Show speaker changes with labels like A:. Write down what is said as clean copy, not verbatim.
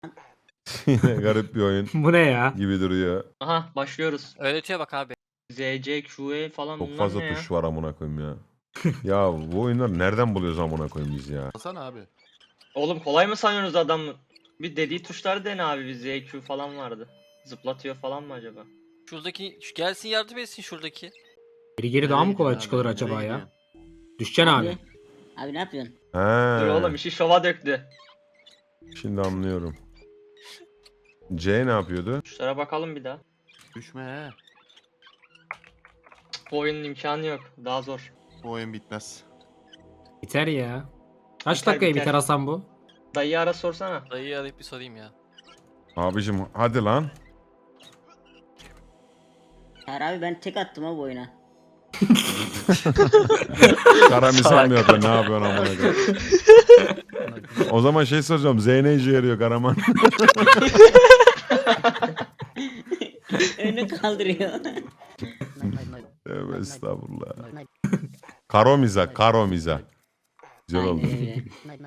A: Yine garip bir oyun
B: Bu ne ya?
A: gibi duruyor.
C: Aha başlıyoruz.
D: Öğretiyor bak abi.
C: ZC, QE falan
A: Çok
C: bunlar
A: fazla
C: ne ya?
A: tuş var amına koyayım ya. Ya bu oyunları nereden buluyoruz amına koyayım biz ya?
E: Hasan abi.
C: Oğlum kolay mı sanıyorsunuz adamı? Bir dediği tuşları dene abi. Bir ZQ falan vardı. Zıplatıyor falan mı acaba?
D: Şuradaki gelsin yardım etsin şuradaki.
B: Geri daha mı
E: Nereye
B: kolay
E: gidiyorsun
B: çıkılır
E: abi?
B: acaba
E: Nereye
B: ya?
E: gidiyorsun?
B: Düşeceksin abi.
F: Abi ne yapıyorsun?
C: Dur oğlum
A: He,
C: işi şova döktü.
A: şimdi anlıyorum. C ne yapıyordu?
C: Tuşlara bakalım bir daha.
E: Düşme he.
C: Bu oyunun imkanı yok. Daha zor.
E: Bu oyun bitmez.
B: Biter ya. Kaç
C: Biter,
B: dakikaya
C: biter.
B: biter Hasan bu?
C: Dayıyı ara sorsana.
D: Dayıyı arayıp bir sorayım ya.
A: Abicim hadi lan.
F: Her abi ben tek attım ha bu oyuna.
A: Kara misal mı yapıyor? Ne yapıyorsun amına koyayım? O zaman şey soracağım. Z ne işe yarıyor Karaman?
F: Önünü kaldırıyor.
A: Tövbe estağfurullah. Karomiza, karomiza. Güzel oldu.
F: Aynen öyle.